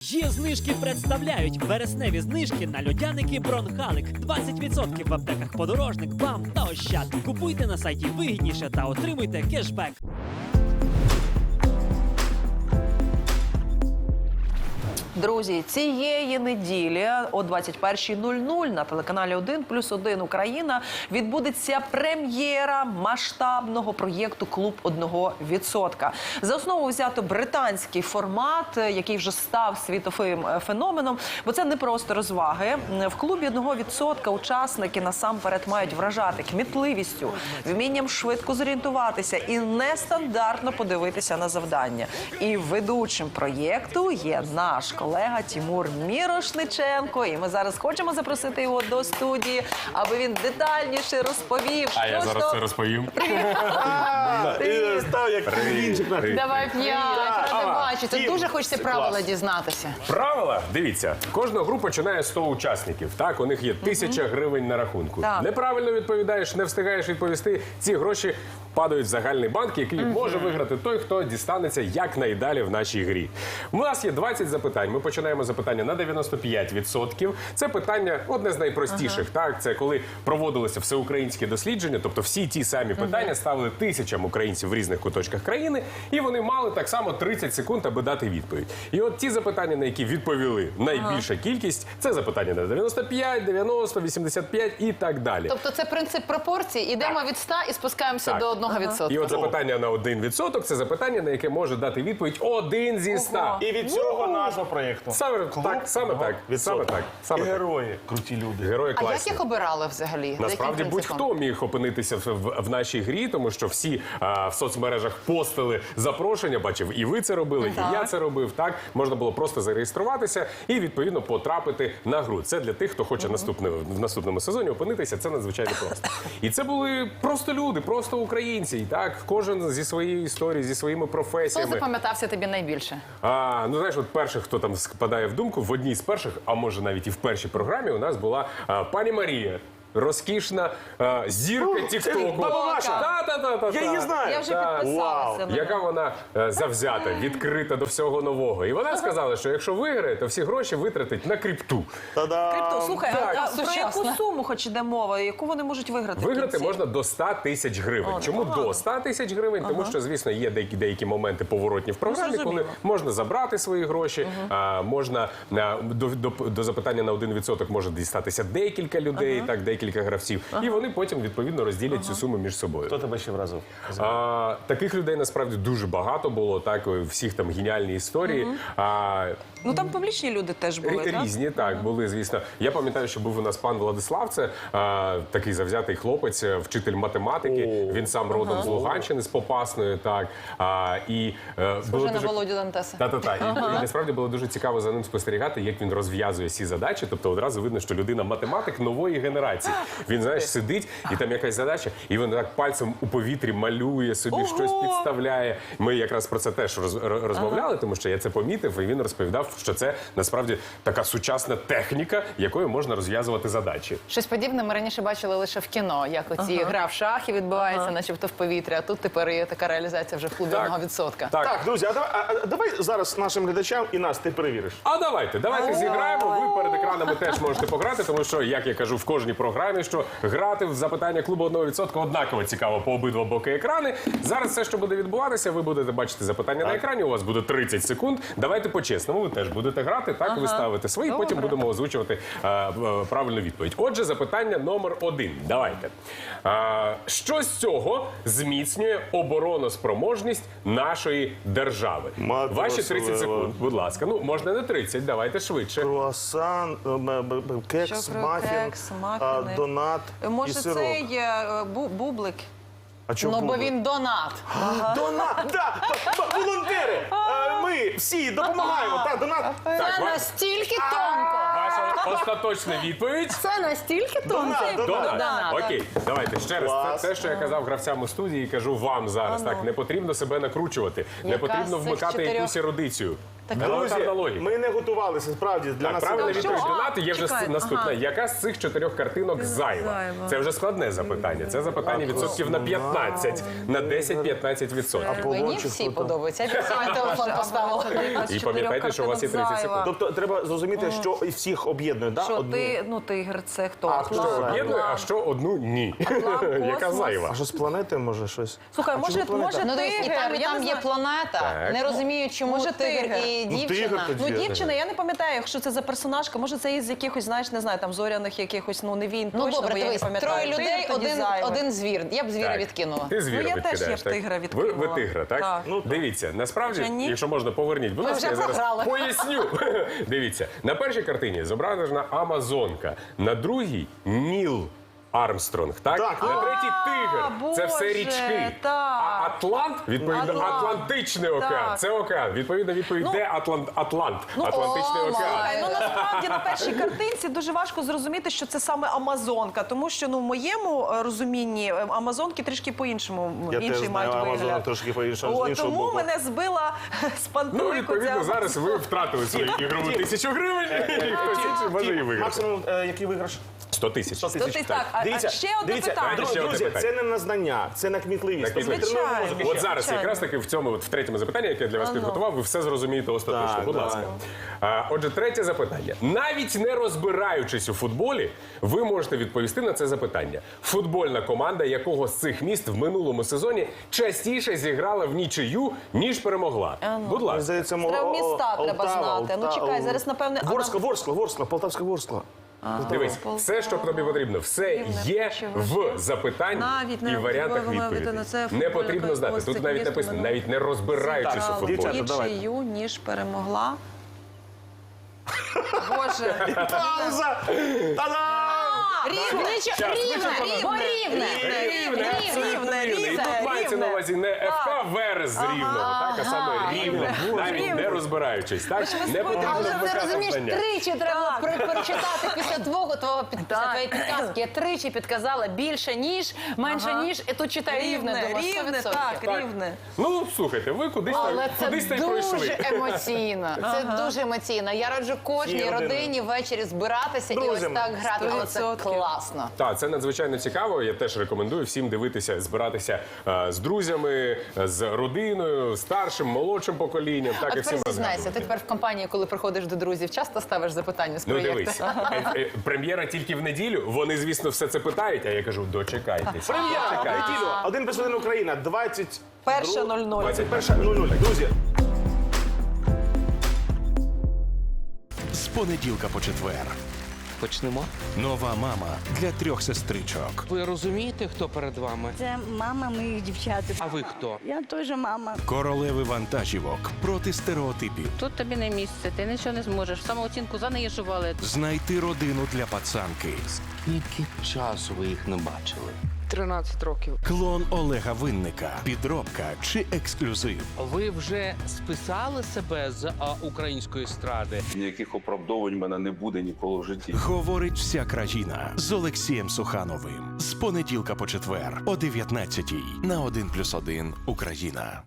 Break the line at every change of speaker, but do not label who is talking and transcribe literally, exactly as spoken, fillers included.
Є знижки представляють вересневі знижки на льодяники Бронхалик. двадцять відсотків в аптеках Подорожник, БАМ та Ощад. Купуйте на сайті вигідніше та отримуйте кешбек.
Друзі, цієї неділі о двадцять першій нуль нуль на телеканалі один плюс один Україна відбудеться прем'єра масштабного проєкту «Клуб одного відсотка». За основу взято британський формат, який вже став світовим феноменом, бо це не просто розваги. В «Клубі одного відсотка» учасники насамперед мають вражати кмітливістю, вмінням швидко зорієнтуватися і нестандартно подивитися на завдання. І ведучим проєкту є наш колега Тимур Мірошниченко. І ми зараз хочемо запросити його до студії, аби він детальніше розповів.
А я зараз це розповім.
Давай п'ять, ради бачити. Дуже хочеться правила дізнатися.
Правила? Дивіться, кожна група починає з сто учасників. Так, у них є тисяча гривень на рахунку.
Так.
Неправильно відповідаєш, не встигаєш відповісти, ці гроші падають в загальний банк, який може виграти той, хто дістанеться якнайдалі в нашій грі. У нас є двадцять запитань. Ми починаємо запитання на дев'яносто п'ять відсотків. Це питання одне з найпростіших. Так, це коли проводилося всеукраїнське дослідження, тобто всі ті самі питання ставили тисячам українців в різних куточках країни, і вони мали так само тридцять секунд, аби дати відповідь. І от ті запитання, на які відповіли найбільша кількість, це запитання на дев'яносто п'ять, дев'яносто, вісімдесят п'ять і так далі.
Тобто це принцип пропорцій. Ідемо від ста і спускаємося
Так.
до одного відсотка.
І от запитання на один відсоток – це запитання, на яке може дати відповідь один зі ста.
І від цього назва проєкту.
Саме так, саме так, саме так,
І
саме так.
герої, круті люди.
Герої
А як
класні.
їх обирали взагалі? За
Насправді
яким принципом?
будь-хто міг опинитися в, в, в нашій грі, тому що всі а, в соцмережах постили запрошення, бачив, і ви це робили, і я це робив, так? Можна було просто зареєструватися і, відповідно, потрапити на гру. Це для тих, хто хоче наступне, в наступному сезоні опинитися, це надзвичайно просто. І це були просто люди, просто українці, і так? Кожен зі своєю історією, зі своїми
Хто
професіями.
запам'ятався тобі найбільше?
А, ну, знаєш, от перших, хто там спадає в думку, в одній з перших, а може навіть і в першій програмі, у нас була а, пані Марія. Розкішна а, зірка тіктоку.
баба Маша.
Та-та-та-та-та.
Я її знаю.
Я вже
Так.
підписалася. на
Яка вона е, завзята, відкрита до всього нового. І вона сказала, що якщо виграє, то всі гроші витратить на крипту.
Та-дам!
Крипто, слухай,
Так.
а, а про
Сучасно.
яку суму хоч іде мова? Яку вони можуть виграти? в
Виграти
кінці?
можна до ста тисяч гривень. Чому до ста тисяч гривень? Тому що, звісно, є деякі, деякі моменти поворотні в програмі, коли
зрозуміло.
можна забрати свої гроші, а, можна а, до, до, до запитання на один відсоток може дістатися декілька людей, так, декілька гравців. І вони потім, відповідно, розділять цю суму між собою.
Хто тебе ще вразив?
А, таких людей, насправді, дуже багато було, так, у всіх там геніальні історії. А,
Ну там публічні люди теж були,
Рі-
так?
Різні, так, були, звісно. Я пам'ятаю, що був у нас пан Владислав, це а, такий завзятий хлопець, е, вчитель математики. Він сам родом з Луганщини, з Попасної, так. А, і, е, було
Схоже на
дуже...
Володю Дантеса.
Та-та-та. І, і насправді було дуже цікаво за ним спостерігати, як він розв'язує всі задачі. Тобто одразу видно, що людина математик нової генерації. Він, знаєш, сидить, і там якась задача, і він так пальцем у повітрі малює собі,
Ого!
щось підставляє. Ми якраз про це теж роз, ро- розмовляли, тому що я це помітив, і він розповідав, що це насправді така сучасна техніка, якою можна розв'язувати задачі.
Щось подібне ми раніше бачили лише в кіно, як оці гра в шахи відбувається, начебто в повітрі, а тут тепер є така реалізація вже в клубі
Так.
одного відсотка.
Так.
Так, друзі, а давай, а, а давай зараз нашим глядачам і нас ти перевіриш.
А давайте, давайте зіграємо. Ви перед екранами теж можете пограти, тому що, як я кажу в кожній програмі, що грати в запитання клубу одного відсотка однаково цікаво по обидва боки екрани. Зараз все, що буде відбуватися, ви будете бачити запитання на екрані, у вас буде тридцять секунд. Давайте по-чесному, ви теж будете грати, так, ви ставите свої, потім будемо озвучувати е, е, правильну відповідь. Отже, запитання номер один. Давайте. Е, що з цього зміцнює обороноспроможність нашої держави?
Мати
Ваші тридцять
Василева.
секунд, будь ласка. Ну, можна не тридцять, давайте швидше.
Круасан, е, б- б- б- кекс,
Що про
мафін,
кекс,
а,
мафіни?
донат
Може,
і сирок.
це є е, бу- бублик?
А чому
Ну, бо
бублик?
він донат.
Донат, да, б- б- волонтери, е, ми всі допомагаємо, так, донат.
Це
ва-
настільки тонко.
Ваша остаточна відповідь.
Це настільки тонко.
Донат,
Донат.
Донат.
Окей, давайте ще раз.
Клас.
Це те, що я казав гравцям у студії, кажу вам зараз. Так, не потрібно себе накручувати, не
Яка
потрібно
з цих
вмикати
чотирьох?
якусь ерудицію. Елементарна логіка.
ми не готувалися, справді, для
Так,
нас
правильна
це-
що?
відповідь
А,
Донати є вже
чекай,
наступна.
ага.
Яка з цих чотирьох картинок зайва?
Зайва.
Це вже складне запитання. Це запитання відсотків на п'ятнадцять, на десять-п'ятнадцять відсотків.
Мені всі подобаються. Я свій телефон поставила.
І пам'ятайте, що у вас є тридцять секунд.
Тобто треба зрозуміти, що і всіх об'єднує, да?
Що
Одну.
ти, ну тигр, це хто?
А,
Атлант,
що
Об'єднує, а
Атлант.
що одну ні. Яка
космос.
зайва.
А що з планети, може, щось?
Слухай,
А
може,
чому планета?
може
Ну, дивись, і там, і
тигр, я
там
не
є
знаю.
планета.
Так.
Не розумію, чому
Може,
тигр
тигр.
і
Ну, тигр
дівчина.
тоді.
Ну, дівчина, я не пам'ятаю, якщо це за персонажка, може це із якихось, знаєш, не знаю, там зоряних якихось, ну не він
Ну
точно,
добре,
бо я не
дивись,
пам'ятаю.
троє людей,
Тигр тоді
один,
зайвий.
один звір. Я б звіра
Так.
відкинула.
Ти звіра
Ну, я теж
відкидаєш,
я б
так?
тигра
Ви,
відкинула.
ви тигра, так?
Так.
Ну,
Дивіться, насправді,
Хоча ні.
якщо можна, поверніть, будь
Ви
ласка,
вже
я зараз
програли.
поясню. Дивіться, на першій картині зображена Амазонка, на другій Ніл Армстронг, так?
Так.
На третій тигр. Це все
Боже,
річки.
так.
А Атлант, відповідно,
Атлант.
Атлантичний океан.
Так.
Це океан. Відповідно, відповідь, де Атлант? Атлант. Атлантичний
о,
океан.
май.
Ну насправді на першій картинці дуже важко зрозуміти, що це саме Амазонка, тому що ну в моєму е, розумінні е, Амазонки трішки по-іншому
Я
інший
теж знаю
мають
Амазонок
вигляд.
трошки по-іншому, з
О,
іншого
тому
боку.
мене збила з пантелику.
Ну, відповідно,
ця
зараз ви втратили свою ігрову тисячу гривень, і хтось інший може її виграти.
Максимум, е, який виграш?
Сто тисяч.
сто
Тобто так, а, а ще одне
дивіться,
питання.
друзі,
Ще одне
друзі,
питання.
це не на знання, це на кмітливість.
На кмітливість.
Тобто ми тренуємо
Звичайно.
мозок.
От зараз
Звичайно.
якраз таки в цьому от в третьому запитанні, яке я для вас підготував, ви все зрозумієте остаточно.
Так,
Будь
давай.
ласка. А, отже, третє запитання. Навіть не розбираючись у футболі, ви можете відповісти на це запитання. Футбольна команда якого з цих міст в минулому сезоні частіше зіграла в нічию, ніж перемогла. Будь
Мені
ласка.
здається, мова-
Треба міста
О-
треба
Полтава,
знати. Ну,
Полтава.
чекай, зараз, напевне, а
Ворскла,
нам-
Ворскла, Ворскла, Полтавська Ворскла.
Дивись, все, що тобі потрібно, все
Рівне,
є
ще
в
важливо.
запитанні
Навіть не
і варіантах
футбольна
відповідей.
людина, це
Не
футбольна
потрібно знати.
ось
Тут
це
навіть
є
написано,
минулого.
навіть не розбираючись у
Зіграла
футболі.
Дівчата, давайте.
нічию, ніж перемогла. Боже.
Пауза! Та-дам!
Рівне,
Щас,
рівне,
вичерпано.
рівне,
Рівне, абсолютно рівне. І тут мається на увазі не еф ка Верес з Рівного, так, а саме рівне, навіть
Рівне.
не розбираючись. Так? Не потрібно
Але ти
вмикати
розумієш,
знання.
тричі треба
Так.
про- прочитати після твого твого під- після
Так.
твоєї підказки. Я тричі підказала більше ніж, менше
Ага.
ніж, і тут читаю рівне.
Рівне,
думаю, сто
рівне,
відсотків.
так,
Так.
рівне.
Ну, слухайте, ви кудись там,
Але це
кудись та й
дуже
пройшли.
емоційно. Це дуже емоційно. Я раджу кожній
Всі родини.
родині ввечері збиратися і ось
Друзям.
так грати. Але це
сто відсотків.
класно.
Так, це надзвичайно цікаво. Я теж рекомендую всім дивитися, збиратися е, з друзями, е, з родиною, старшим, молодшим поколінням. Так,
А
і всім
тепер зізнайся, ти
розгадувати.
тепер в компанії, коли приходиш до друзів, часто ставиш запитання з
Ну
проєкту?
дивись, е, е, прем'єра тільки в неділю. Вони, звісно, все це питають, а я кажу, дочекайтесь.
Прем'єра,
Дочекайтесь.
неділю, один плюс один Україна, двадцять
Перша нуль нуль.
двадцять перша нуль нуль. Друзі,
З понеділка по четвер.
Почнемо.
Нова мама для трьох сестричок.
Ви розумієте, хто перед вами?
Це мама моїх дівчат.
А ви хто?
Я теж мама.
Королеви вантажівок проти стереотипів.
Тут тобі не місце, ти нічого не зможеш. Самооцінку занижували.
Знайти родину для пацанки.
Скільки часу ви їх не бачили? тринадцять років.
Клон Олега Винника. Підробка чи ексклюзив.
Ви вже списали себе з а, української естради?
Ніяких оправдовань в мене не буде ніколи в житті.
Говорить вся країна з Олексієм Сухановим. З понеділка по четвер о дев'ятнадцятій на один плюс один Україна.